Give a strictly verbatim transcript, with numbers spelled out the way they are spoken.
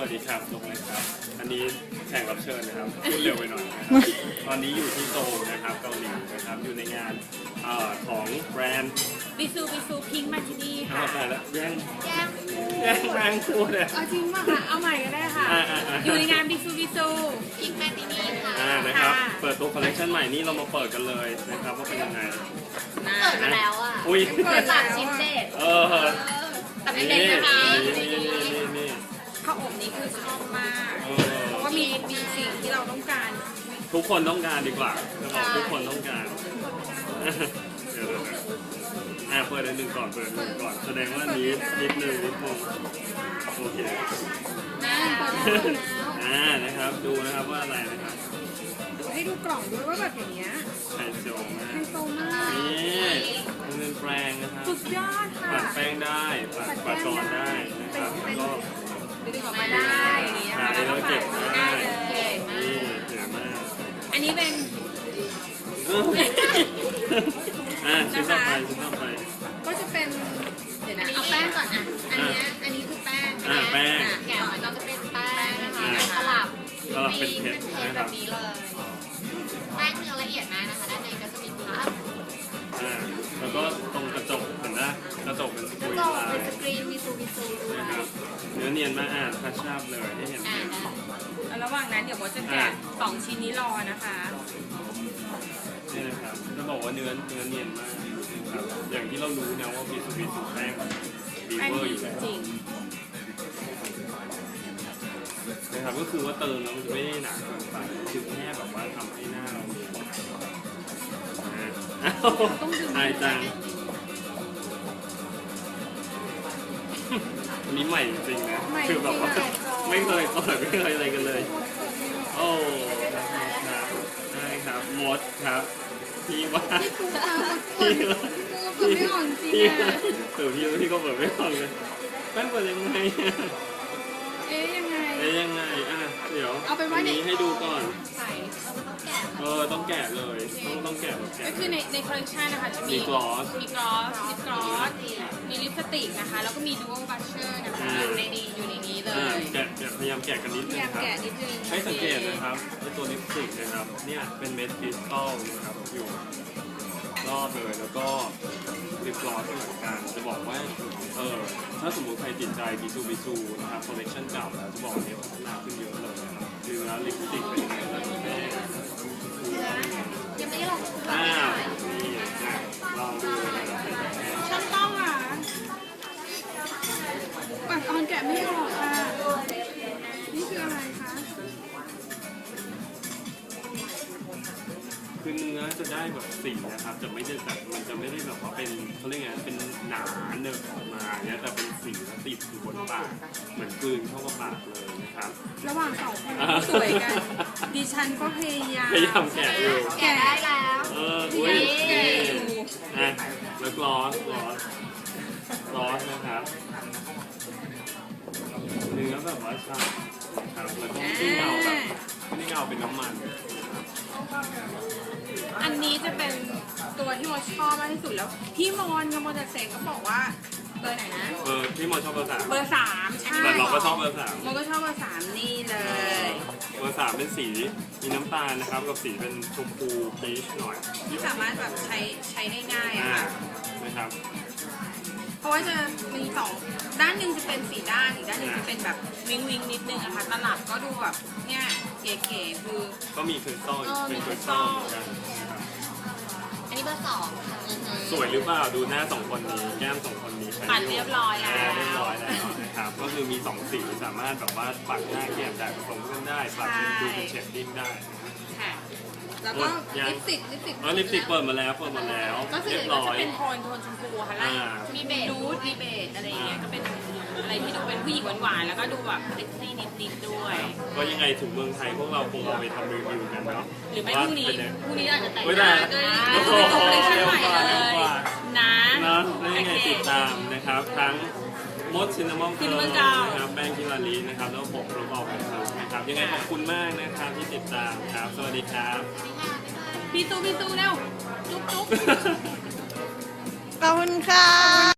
วัสดีครับนุ๊กนะครับอันนี้แขกรับเชิญนะครับพูดเร็วไปหน่อยนะครับตอนนี้อยู่ที่โซลนะครับเกาหลีนะครับอยู่ในงานเอ่อของแบรนด์บิซูบิซูพิงค์มาที่นี่อ้าค่ะวตายแล้วแย่งแย้มแย่งแรงพูดเลยเอาจริงป่ะคะเอาใหม่ก็ได้ค่ะอ่าอ่าอ่าอยู่ในงานบิซูบิซูพิงค์มาที่นี่ค่ะอ่านะครับค่ะเปิดตัวคอลเลคชันใหม่นี้เรามาเปิดกันเลยนะครับว่าเป็นยังไงเปิดมาแล้วอ่ะอุ้ยเปิดสามชิ้นเด็ดเออแต่ไม่นี่เด็ดนะคะนี่นี่นี่นี่ข้าวอบนี้คือชอบมากเออเพราะว่ามีมีสิ่งที่เราต้องการทุกคนต้องการดีกว่าจะบอกทุกคนต้องการเดี๋ยวๆนะอ่าเปิดอันหนึ่งก่อนเปิดอันหนึ่งก่อนแสดงว่านี้นิดนึงนิดนึงโอเคนะอ่านะครับดูนะครับว่าอะไรนะครับให้ดูกล่องด้วยว่าแบบอย่างเงี้ยไฮโซมาไฮกโซมากนี่มันเป็นแปรงนะครับสุดยอดค่ะปัดแป้งได้ปัดปัดกรอนได้นะครับแล้วก็ดึงออกมาได้อย่างเงี้ยใช้แล้วเก็บได้เก๋มากนี่เก๋มากอันนี้เป็นอ่าชิ้นต่อไปชิ้นต่อไปก็จะเป็นเดี๋ยวนะเอาแป้งก่อนอ่ะ อันเนี้ยอันนี้คือแป้งอ่าแป้งอ่ะแกะออกมาก็จะเป็นแป้งนะคะแล้วสลับสลับเป็นเพชรมีนะคแบรับบนี้เลย แป้งเนื้อละเอียดมากนะคะ ด้านในก็จะมีพับอ่าแล้วก็ตรงกระจกเห็นนะกระจกเป็นสกกุระยจกลาเป็ยนสกรีนมีซูมีซูด้วยนะครับเนื้อเนียนมากอ่านทัชชับเลยให้เห็นอ่าเลยระหว่างนั้นเดี๋ยวโบทจะแกะสองชิ้นนี้รอนะคะนี่นะครับจะบอกว่าเนื้อเนื้อเนียนมากนะครับอย่างที่เรารู้นะว่าบีซูบีสูแป้งดีแป้งเวอร์ดีอยู่แล้วจริงนะครับก็คือว่าเติมแล้วมันจะไม่ได้หนาเกินไปคือแค่แบบว่าทำให้หน้าเราเนียนอ่าอ้าวอายจังอันนี้ใหม่จริงๆนะคือแบบว่าไม่เคยเปิดไม่เคยอะไรกันเลย โอ้ครับได้ครับมดครับพี่ว่าพี่ว่าเปิดไม่ออกจริงพี่อะเออพี่พี่ก็เปิดไม่ออกเลยแป้งเปิดยังไงเอ๊ยยังไงเอ๊ยยังไงอ่ะเดี๋ยวเอาเป็นว่าอันในนี้ให้ดูก่อนใส่เออมันต้องแกะเออต้องแกะเลยต้องต้องแกะแบบแกะก็คือในในคอลเลคชันนะคะจะมีมีกลอสมีกลอสลิปกลอสมีลิปสติกนะคะ แล้วก็มีดู a l บัชเชอร์นะคะอืมอยู่ในนี้อยู่ในนี้เลอ่าย แกะแกะพยายามแกะกันนิดพนึยาง ยามครับแกะนิดนึงให้สังเกตนะครับไอตัวลิปสติกนะครับเนี่ยเป็นเม็ดคริสตัลนะครับอยู่รอบเลยแล้วก็ลิปกลอสก็เหมือนกันจะบอกว่าเออถ้าสมมติใครติดใจบิซูบิซูนะครับคอลเลคชันเก่าแล้วจะบอกเนี่ยพัฒนาขึ้นเยอะเลยนะครับคือแล้วลิปสติกเป็นยังไงบ้างแม่ยังไม่ได้ลองอ้าวนี่อ่ะลองดูนะครับช่างต้องอ่ะปัดออนแกะไม่ออกค่ะ นี่คืออะไรคะคือเนื้อจะได้แบบสีนะครับจะไม่ได้แบบมันจะไม่ได้แบบว่าเป็นเขาเรียกไงเป็นหนาเนิบออกมาเนี่ยแต่เป็นสีแล้วติดอยู่บนปากเหมือนกลืนเข้ากับปากเลยนะครับระหว่างสองคนที่สวยกัน ดิฉันก็พยายามพยายามแกะอยู่แกะได้แล้วเอออุ้ยแกะนี่อยู่อ่ะแล้วกลอสกลอสกลอสนะครับเนื้อแบบว่าฉ่ำนะครับแล้วก็ไม่เงาแบบไม่ได้เงาเป็นน้ำมันนะครับอันนี้จะเป็นตัวที่โมชอบมากที่สุดแล้ว พี่มอนกับโมเดเซก็บอกว่าเบอร์ไหนนะเออพี่มอชอบเบอร์สามเบอร์สามใช่แต่เราก็ชอบเบอร์สามโมก็ชอบเบอร์สามนี่เลยเบอร์สามเป็นสีมีน้ำตาลนะครับกับสีเป็นชมพูพีชหน่อยที่สามารถแบบใช้ใช้ได้ง่ายอะอ่าค่ะนะครับเพราะว่าจะมีสองด้านหนึ่งจะเป็นสีด้านอีกด้านหนึ่งจะเป็นแบบวิงวิงนิดนึงอะค่ะตลับก็ดูแบบเนี่ยเก๋ๆคือก็มีคริสตัลเป็นคริสตัลเหมือนกันนะครับอันนี้เบอร์สองค่ะสวยหรือเปล่าดูหน้าสองคนนี้แก้มสองคนนี้ใช้ปัดเรียบร้อยแล้วาเรียบร้อยแล้วนะครับก็คือมีสองสีสามารถแบบว่าปัดหน้าเกลี่ยได้ผสมกันได้ปัดเป็นดูเป็นเชดดิ้งได้ค่ะ แล้วก็ยังลิปสติกลิปสติกเออลิปสติกเปิดมาแล้วเปิดมาแล้วก็คือเรียบก็ร้อจะยเป็นโทนโทนชมพูค่ะแล้วอ่ามีเบจนูดมีเบจอะไรอย่างเงี้ยก็เป็นอะไรที่ดูเป็นผู้หญิงหวานๆแล้วก็ดูแบบเซ็กซี่นิดๆด้วยก็ยังไงถึงเมืองไทยพวกเราคงเอาไปทำรีวิวกันเนาะหรือไม่พรุ่งนี้ว่าเป็ไพรุ่งนี้อาจจะแต่งไม่หได้น้าก็เป็นตัวคอลเลคชั่นใหม่เลยกว่านะเนาะแล้วยังไงติดตามนะครับทั้งมดซินนามอนเคิร์นะครับแป้งกิลาลีนะครับแล้วผมรูปออกนะครับยังไงขอบคุณมากนะครับที่ติดตามครับสวัสดีครับพี่ตูพี่ตูเร็วจุ๊บจุ๊บขอบคุณค่ะ